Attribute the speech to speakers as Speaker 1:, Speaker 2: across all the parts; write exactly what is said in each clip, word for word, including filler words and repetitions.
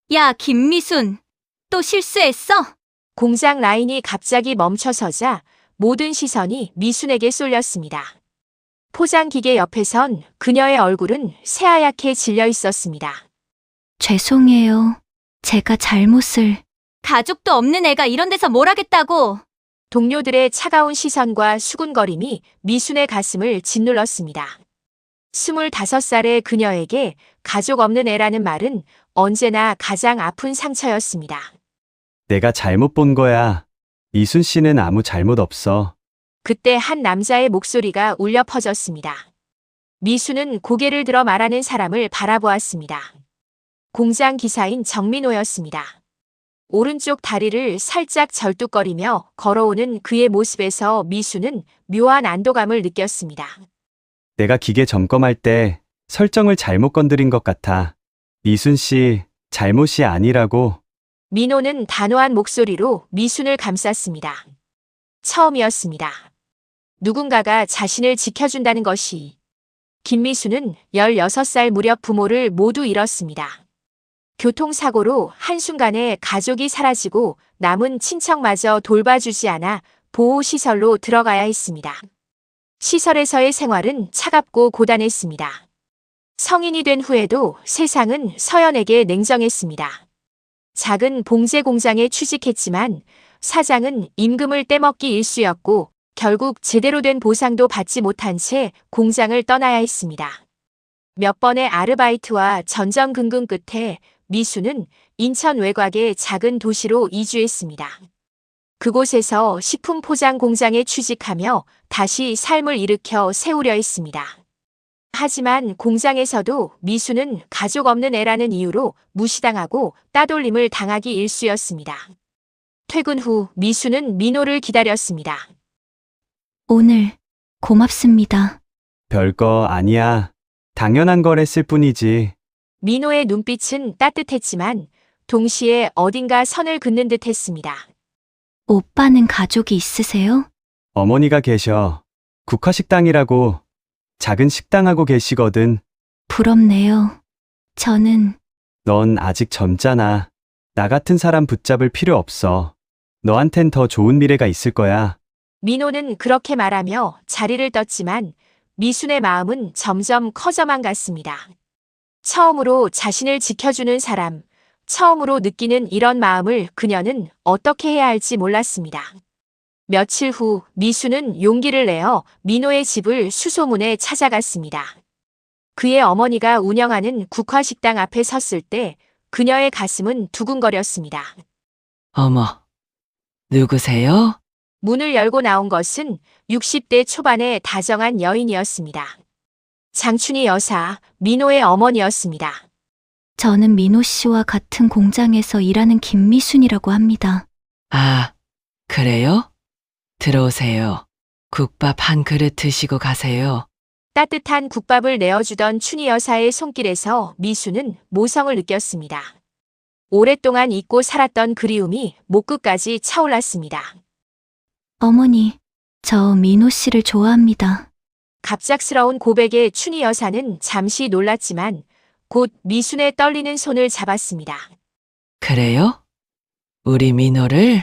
Speaker 1: 야, 김미순. 또 실수했어?
Speaker 2: 공장 라인이 갑자기 멈춰서자 모든 시선이 미순에게 쏠렸습니다. 포장기계 옆에선 그녀의 얼굴은 새하얗게 질려 있었습니다.
Speaker 1: 죄송해요. 제가 잘못을. 가족도 없는 애가 이런 데서 뭘 하겠다고.
Speaker 2: 동료들의 차가운 시선과 수군거림이 미순의 가슴을 짓눌렀습니다. 스물다섯 살의 그녀에게 가족 없는 애라는 말은 언제나 가장 아픈 상처였습니다.
Speaker 3: 내가 잘못 본 거야. 미순 씨는 아무 잘못 없어.
Speaker 2: 그때 한 남자의 목소리가 울려 퍼졌습니다. 미순은 고개를 들어 말하는 사람을 바라보았습니다. 공장 기사인 정민호였습니다. 오른쪽 다리를 살짝 절뚝거리며 걸어오는 그의 모습에서 미순은 묘한 안도감을 느꼈습니다.
Speaker 3: 내가 기계 점검할 때 설정을 잘못 건드린 것 같아. 미순 씨 잘못이 아니라고.
Speaker 2: 민호는 단호한 목소리로 미순을 감쌌습니다. 처음이었습니다. 누군가가 자신을 지켜준다는 것이. 김미순은 열여섯 살 무렵 부모를 모두 잃었습니다. 교통사고로 한순간에 가족이 사라지고 남은 친척마저 돌봐주지 않아 보호시설로 들어가야 했습니다. 시설에서의 생활은 차갑고 고단했습니다. 성인이 된 후에도 세상은 서연에게 냉정했습니다. 작은 봉제 공장에 취직했지만 사장은 임금을 떼먹기 일쑤였고 결국 제대로 된 보상도 받지 못한 채 공장을 떠나야 했습니다. 몇 번의 아르바이트와 전전긍긍 끝에 미수는 인천 외곽의 작은 도시로 이주했습니다. 그곳에서 식품 포장 공장에 취직하며 다시 삶을 일으켜 세우려 했습니다. 하지만 공장에서도 미수는 가족 없는 애라는 이유로 무시당하고 따돌림을 당하기 일쑤였습니다. 퇴근 후 미수는 민호를 기다렸습니다.
Speaker 1: 오늘 고맙습니다.
Speaker 3: 별거 아니야. 당연한 거랬을 뿐이지.
Speaker 2: 민호의 눈빛은 따뜻했지만 동시에 어딘가 선을 긋는 듯 했습니다.
Speaker 1: 오빠는 가족이 있으세요?
Speaker 3: 어머니가 계셔. 국화식당이라고 작은 식당하고 계시거든.
Speaker 1: 부럽네요. 저는
Speaker 3: 넌 아직 젊잖아. 나 같은 사람 붙잡을 필요 없어. 너한텐 더 좋은 미래가 있을 거야.
Speaker 2: 민호는 그렇게 말하며 자리를 떴지만 미순의 마음은 점점 커져만 갔습니다. 처음으로 자신을 지켜주는 사람, 처음으로 느끼는 이런 마음을 그녀는 어떻게 해야 할지 몰랐습니다. 며칠 후 미수는 용기를 내어 민호의 집을 수소문해 찾아갔습니다. 그의 어머니가 운영하는 국화식당 앞에 섰을 때 그녀의 가슴은 두근거렸습니다.
Speaker 4: 어머, 누구세요?
Speaker 2: 문을 열고 나온 것은 육십 대 초반의 다정한 여인이었습니다. 장춘희 여사, 민호의 어머니였습니다.
Speaker 1: 저는 민호 씨와 같은 공장에서 일하는 김미순이라고 합니다.
Speaker 4: 아, 그래요? 들어오세요. 국밥 한 그릇 드시고 가세요.
Speaker 2: 따뜻한 국밥을 내어주던 춘희 여사의 손길에서 미수는 모성을 느꼈습니다. 오랫동안 잊고 살았던 그리움이 목끝까지 차올랐습니다.
Speaker 1: 어머니, 저 민호 씨를 좋아합니다.
Speaker 2: 갑작스러운 고백에 춘희 여사는 잠시 놀랐지만 곧 미순의 떨리는 손을 잡았습니다.
Speaker 4: 그래요? 우리 민호를?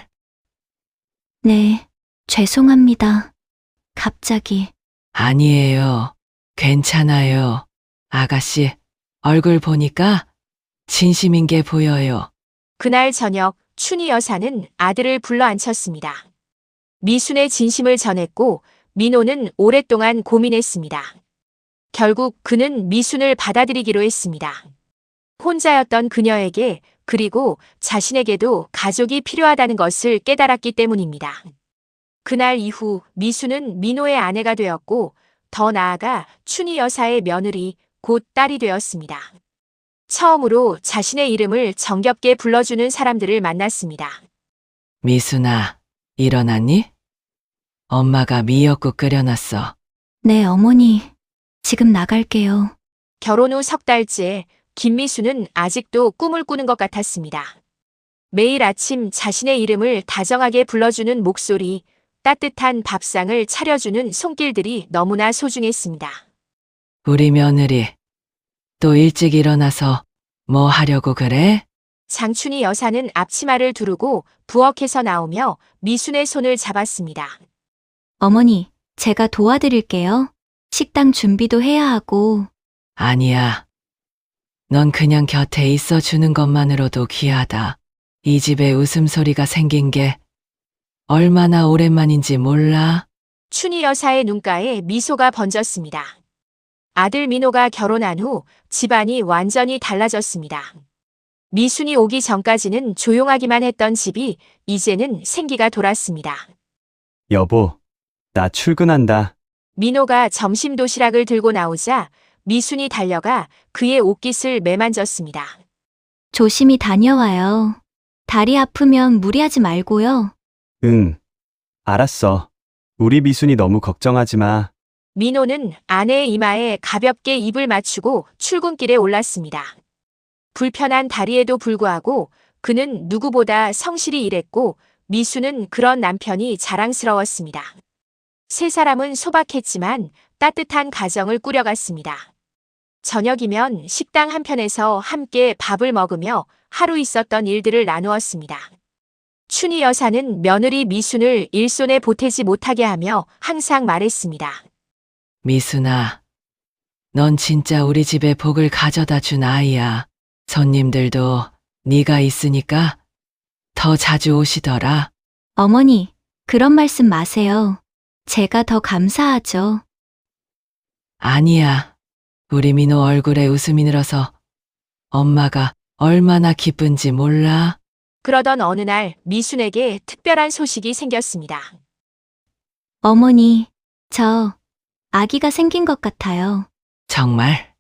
Speaker 1: 네, 죄송합니다. 갑자기.
Speaker 4: 아니에요. 괜찮아요. 아가씨, 얼굴 보니까 진심인 게 보여요.
Speaker 2: 그날 저녁 춘희 여사는 아들을 불러 앉혔습니다. 미순의 진심을 전했고 민호는 오랫동안 고민했습니다. 결국 그는 미순을 받아들이기로 했습니다. 혼자였던 그녀에게 그리고 자신에게도 가족이 필요하다는 것을 깨달았기 때문입니다. 그날 이후 미순은 민호의 아내가 되었고 더 나아가 춘희 여사의 며느리 곧 딸이 되었습니다. 처음으로 자신의 이름을 정겹게 불러주는 사람들을 만났습니다.
Speaker 4: 미순아, 일어났니? 엄마가 미역국 끓여놨어.
Speaker 1: 네, 어머니. 지금 나갈게요.
Speaker 2: 결혼 후 석 달째 김미수는 아직도 꿈을 꾸는 것 같았습니다. 매일 아침 자신의 이름을 다정하게 불러주는 목소리, 따뜻한 밥상을 차려주는 손길들이 너무나 소중했습니다.
Speaker 4: 우리 며느리, 또 일찍 일어나서 뭐 하려고 그래?
Speaker 2: 장춘희 여사는 앞치마를 두르고 부엌에서 나오며 미순의 손을 잡았습니다.
Speaker 1: 어머니, 제가 도와드릴게요. 식당 준비도 해야 하고.
Speaker 4: 아니야. 넌 그냥 곁에 있어 주는 것만으로도 귀하다. 이 집에 웃음소리가 생긴 게 얼마나 오랜만인지 몰라?
Speaker 2: 춘희 여사의 눈가에 미소가 번졌습니다. 아들 민호가 결혼한 후 집안이 완전히 달라졌습니다. 미순이 오기 전까지는 조용하기만 했던 집이 이제는 생기가 돌았습니다.
Speaker 3: 여보, 나 출근한다.
Speaker 2: 민호가 점심 도시락을 들고 나오자 미순이 달려가 그의 옷깃을 매만졌습니다.
Speaker 1: 조심히 다녀와요. 다리 아프면 무리하지 말고요.
Speaker 3: 응, 알았어. 우리 미순이 너무 걱정하지 마.
Speaker 2: 민호는 아내의 이마에 가볍게 입을 맞추고 출근길에 올랐습니다. 불편한 다리에도 불구하고 그는 누구보다 성실히 일했고 미수는 그런 남편이 자랑스러웠습니다. 세 사람은 소박했지만 따뜻한 가정을 꾸려갔습니다. 저녁이면 식당 한편에서 함께 밥을 먹으며 하루 있었던 일들을 나누었습니다. 춘희 여사는 며느리 미순을 일손에 보태지 못하게 하며 항상 말했습니다.
Speaker 4: 미순아, 넌 진짜 우리 집에 복을 가져다 준 아이야. 손님들도 네가 있으니까 더 자주 오시더라.
Speaker 1: 어머니, 그런 말씀 마세요. 제가 더 감사하죠.
Speaker 4: 아니야. 우리 민호 얼굴에 웃음이 늘어서 엄마가 얼마나 기쁜지 몰라?
Speaker 2: 그러던 어느 날 미순에게 특별한 소식이 생겼습니다.
Speaker 1: 어머니, 저 아기가 생긴 것 같아요.
Speaker 4: 정말?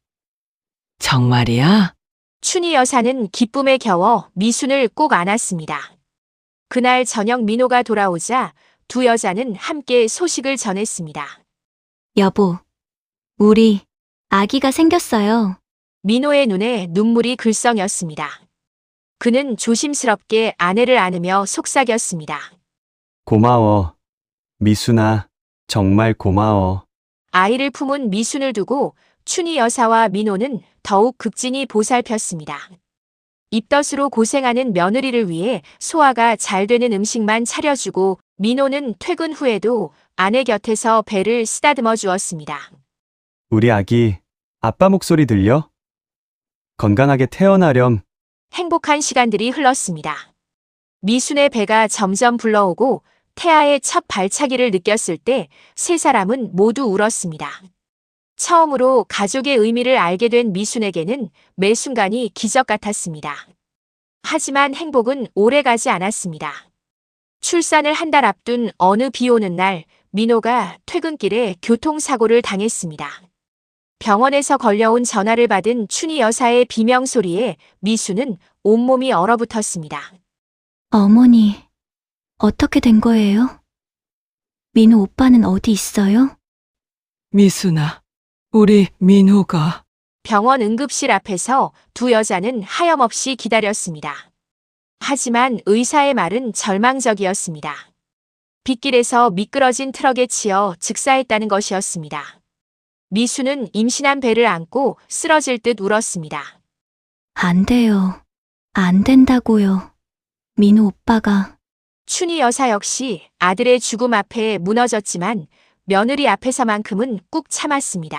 Speaker 4: 정말이야?
Speaker 2: 춘희 여사는 기쁨에 겨워 미순을 꼭 안았습니다. 그날 저녁 민호가 돌아오자 두 여자는 함께 소식을 전했습니다.
Speaker 1: 여보, 우리 아기가 생겼어요.
Speaker 2: 민호의 눈에 눈물이 글썽였습니다. 그는 조심스럽게 아내를 안으며 속삭였습니다.
Speaker 3: 고마워. 미순아, 정말 고마워.
Speaker 2: 아이를 품은 미순을 두고 춘희 여사와 민호는 더욱 극진히 보살폈습니다. 입덧으로 고생하는 며느리를 위해 소화가 잘 되는 음식만 차려주고 민호는 퇴근 후에도 아내 곁에서 배를 쓰다듬어 주었습니다.
Speaker 3: 우리 아기, 아빠 목소리 들려? 건강하게 태어나렴.
Speaker 2: 행복한 시간들이 흘렀습니다. 미순의 배가 점점 불러오고 태아의 첫 발차기를 느꼈을 때 세 사람은 모두 울었습니다. 처음으로 가족의 의미를 알게 된 미순에게는 매 순간이 기적 같았습니다. 하지만 행복은 오래가지 않았습니다. 출산을 한 달 앞둔 어느 비 오는 날 민호가 퇴근길에 교통사고를 당했습니다. 병원에서 걸려온 전화를 받은 춘희 여사의 비명소리에 미수는 온몸이 얼어붙었습니다.
Speaker 1: 어머니, 어떻게 된 거예요? 민호 오빠는 어디 있어요?
Speaker 4: 미순아, 우리 민호가
Speaker 2: 병원 응급실 앞에서 두 여자는 하염없이 기다렸습니다. 하지만 의사의 말은 절망적이었습니다. 빗길에서 미끄러진 트럭에 치여 즉사했다는 것이었습니다. 미수는 임신한 배를 안고 쓰러질 듯 울었습니다.
Speaker 1: 안 돼요. 안 된다고요. 민호 오빠가.
Speaker 2: 춘희 여사 역시 아들의 죽음 앞에 무너졌지만 며느리 앞에서만큼은 꾹 참았습니다.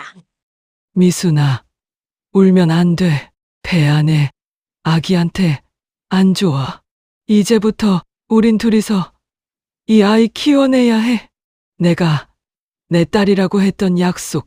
Speaker 4: 미순아, 울면 안 돼. 배 안에 아기한테 안 좋아. 이제부터 우린 둘이서 이 아이 키워내야 해. 내가 내 딸이라고 했던 약속.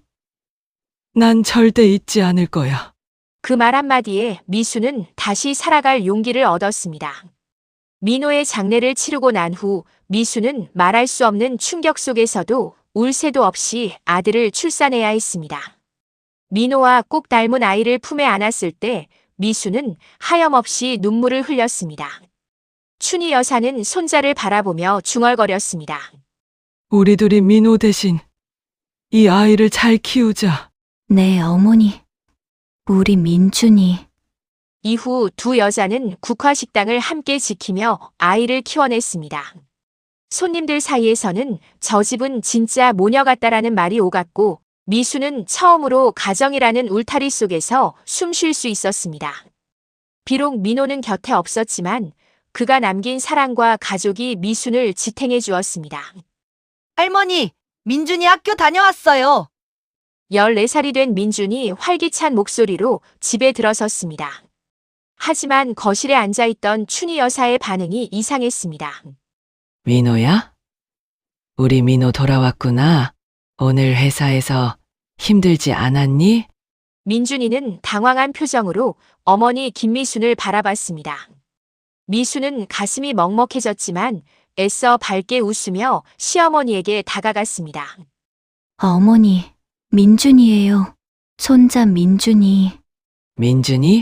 Speaker 4: 난 절대 잊지 않을 거야.
Speaker 2: 그 말 한마디에 미수는 다시 살아갈 용기를 얻었습니다. 민호의 장례를 치르고 난 후 미수는 말할 수 없는 충격 속에서도 울 새도 없이 아들을 출산해야 했습니다. 민호와 꼭 닮은 아이를 품에 안았을 때 미수는 하염없이 눈물을 흘렸습니다. 춘희 여사는 손자를 바라보며 중얼거렸습니다.
Speaker 4: 우리 둘이 민호 대신 이 아이를 잘 키우자.
Speaker 1: 네, 어머니. 우리 민준이.
Speaker 2: 이후 두 여자는 국화식당을 함께 지키며 아이를 키워냈습니다. 손님들 사이에서는 저 집은 진짜 모녀 같다라는 말이 오갔고 미수는 처음으로 가정이라는 울타리 속에서 숨 쉴 수 있었습니다. 비록 민호는 곁에 없었지만 그가 남긴 사랑과 가족이 미순을 지탱해 주었습니다.
Speaker 5: 할머니, 민준이 학교 다녀왔어요.
Speaker 2: 열네 살이 된 민준이 활기찬 목소리로 집에 들어섰습니다. 하지만 거실에 앉아있던 춘희 여사의 반응이 이상했습니다.
Speaker 4: 민호야? 우리 민호 돌아왔구나. 오늘 회사에서 힘들지 않았니?
Speaker 2: 민준이는 당황한 표정으로 어머니 김미순을 바라봤습니다. 미순은 가슴이 먹먹해졌지만 애써 밝게 웃으며 시어머니에게 다가갔습니다.
Speaker 1: 어머니, 민준이에요. 손자 민준이.
Speaker 4: 민준이?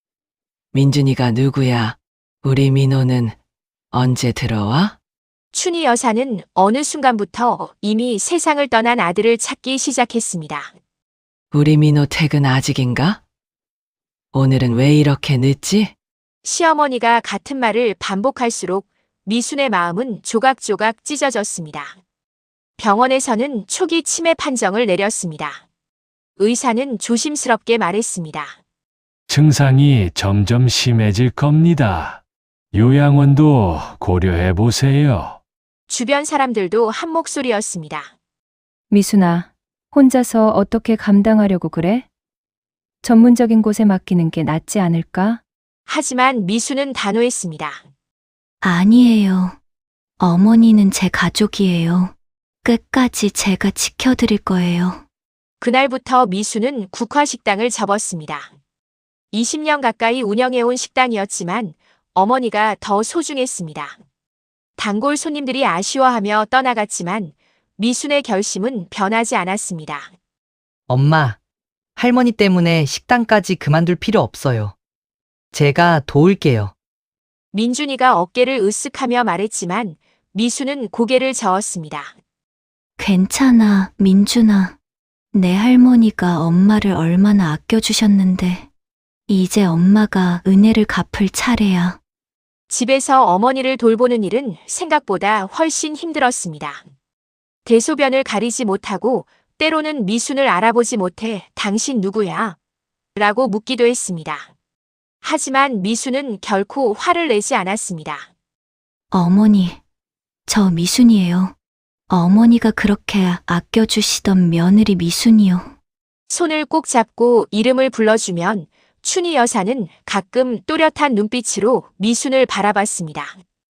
Speaker 4: 민준이가 누구야? 우리 민호는 언제 들어와?
Speaker 2: 춘희 여사는 어느 순간부터 이미 세상을 떠난 아들을 찾기 시작했습니다.
Speaker 4: 우리 민호 퇴근 아직인가? 오늘은 왜 이렇게 늦지?
Speaker 2: 시어머니가 같은 말을 반복할수록 미순의 마음은 조각조각 찢어졌습니다. 병원에서는 초기 치매 판정을 내렸습니다. 의사는 조심스럽게 말했습니다.
Speaker 6: 증상이 점점 심해질 겁니다. 요양원도 고려해 보세요.
Speaker 2: 주변 사람들도 한 목소리였습니다.
Speaker 7: 미순아, 혼자서 어떻게 감당하려고 그래? 전문적인 곳에 맡기는 게 낫지 않을까?
Speaker 2: 하지만 미순은 단호했습니다.
Speaker 1: 아니에요. 어머니는 제 가족이에요. 끝까지 제가 지켜드릴 거예요.
Speaker 2: 그날부터 미순은 국화식당을 접었습니다. 이십 년 가까이 운영해온 식당이었지만 어머니가 더 소중했습니다. 단골 손님들이 아쉬워하며 떠나갔지만 미순의 결심은 변하지 않았습니다.
Speaker 5: 엄마, 할머니 때문에 식당까지 그만둘 필요 없어요. 제가 도울게요.
Speaker 2: 민준이가 어깨를 으쓱하며 말했지만 미순은 고개를 저었습니다.
Speaker 1: 괜찮아, 민준아. 내 할머니가 엄마를 얼마나 아껴주셨는데, 이제 엄마가 은혜를 갚을 차례야.
Speaker 2: 집에서 어머니를 돌보는 일은 생각보다 훨씬 힘들었습니다. 대소변을 가리지 못하고 때로는 미순을 알아보지 못해 당신 누구야? 라고 묻기도 했습니다. 하지만 미순은 결코 화를 내지 않았습니다.
Speaker 1: 어머니, 저 미순이에요. 어머니가 그렇게 아껴주시던 며느리 미순이요.
Speaker 2: 손을 꼭 잡고 이름을 불러주면 춘희 여사는 가끔 또렷한 눈빛으로 미순을 바라봤습니다.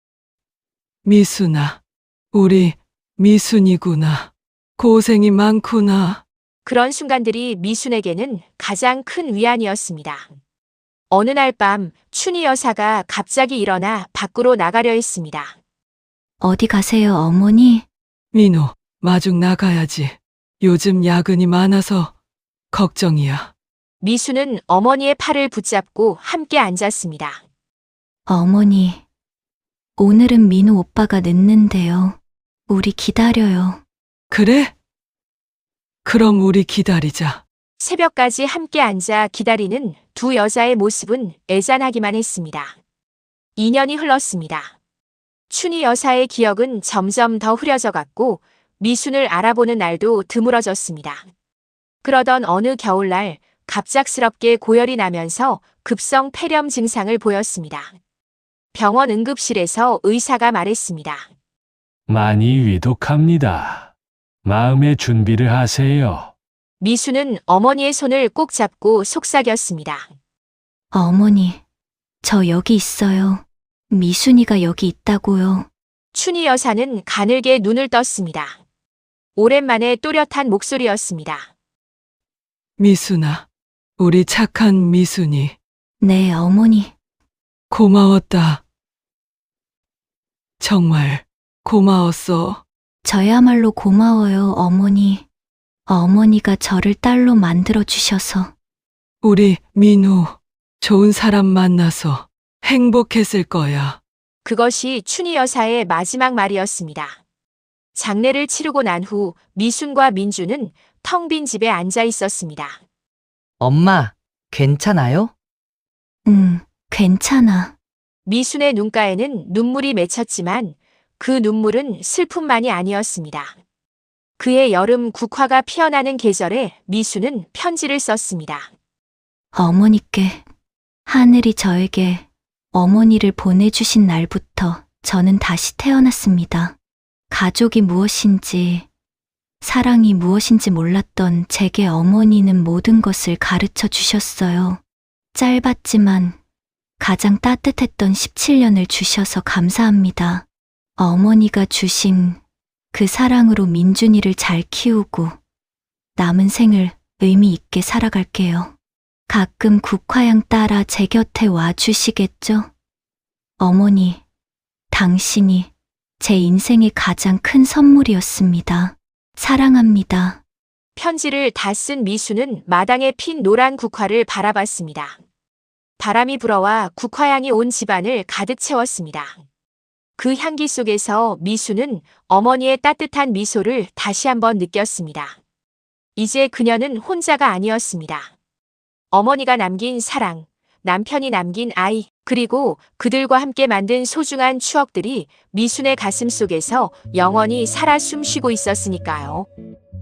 Speaker 4: 미순아, 우리 미순이구나. 고생이 많구나.
Speaker 2: 그런 순간들이 미순에게는 가장 큰 위안이었습니다. 어느 날 밤 춘희 여사가 갑자기 일어나 밖으로 나가려 했습니다.
Speaker 1: 어디 가세요, 어머니?
Speaker 4: 민호, 마중 나가야지. 요즘 야근이 많아서 걱정이야.
Speaker 2: 미순은 어머니의 팔을 붙잡고 함께 앉았습니다.
Speaker 1: 어머니, 오늘은 민우 오빠가 늦는데요. 우리 기다려요.
Speaker 4: 그래? 그럼 우리 기다리자.
Speaker 2: 새벽까지 함께 앉아 기다리는 두 여자의 모습은 애잔하기만 했습니다. 이 년이 흘렀습니다. 춘희 여사의 기억은 점점 더 흐려져 갔고 미순을 알아보는 날도 드물어졌습니다. 그러던 어느 겨울날 갑작스럽게 고열이 나면서 급성 폐렴 증상을 보였습니다. 병원 응급실에서 의사가 말했습니다.
Speaker 6: 많이 위독합니다. 마음의 준비를 하세요.
Speaker 2: 미순은 어머니의 손을 꼭 잡고 속삭였습니다.
Speaker 1: 어머니, 저 여기 있어요. 미순이가 여기 있다고요.
Speaker 2: 춘희 여사는 가늘게 눈을 떴습니다. 오랜만에 또렷한 목소리였습니다.
Speaker 4: 미순아, 우리 착한 미순이.
Speaker 1: 네, 어머니.
Speaker 4: 고마웠다. 정말 고마웠어.
Speaker 1: 저야말로 고마워요, 어머니. 어머니가 저를 딸로 만들어주셔서.
Speaker 4: 우리 민호, 좋은 사람 만나서 행복했을 거야.
Speaker 2: 그것이 춘희 여사의 마지막 말이었습니다. 장례를 치르고 난 후 미순과 민주는 텅 빈 집에 앉아 있었습니다.
Speaker 5: 엄마, 괜찮아요?
Speaker 1: 응, 괜찮아.
Speaker 2: 미순의 눈가에는 눈물이 맺혔지만 그 눈물은 슬픔만이 아니었습니다. 그의 여름 국화가 피어나는 계절에 미순은 편지를 썼습니다.
Speaker 1: 어머니께 하늘이 저에게 어머니를 보내주신 날부터 저는 다시 태어났습니다. 가족이 무엇인지, 사랑이 무엇인지 몰랐던 제게 어머니는 모든 것을 가르쳐 주셨어요. 짧았지만 가장 따뜻했던 십칠 년을 주셔서 감사합니다. 어머니가 주신 그 사랑으로 민준이를 잘 키우고 남은 생을 의미 있게 살아갈게요. 가끔 국화양 따라 제 곁에 와 주시겠죠? 어머니, 당신이 제 인생의 가장 큰 선물이었습니다. 사랑합니다.
Speaker 2: 편지를 다 쓴 미수는 마당에 핀 노란 국화를 바라봤습니다. 바람이 불어와 국화향이 온 집안을 가득 채웠습니다. 그 향기 속에서 미수는 어머니의 따뜻한 미소를 다시 한번 느꼈습니다. 이제 그녀는 혼자가 아니었습니다. 어머니가 남긴 사랑, 남편이 남긴 아이, 그리고 그들과 함께 만든 소중한 추억들이 미순의 가슴 속에서 영원히 살아 숨쉬고 있었으니까요.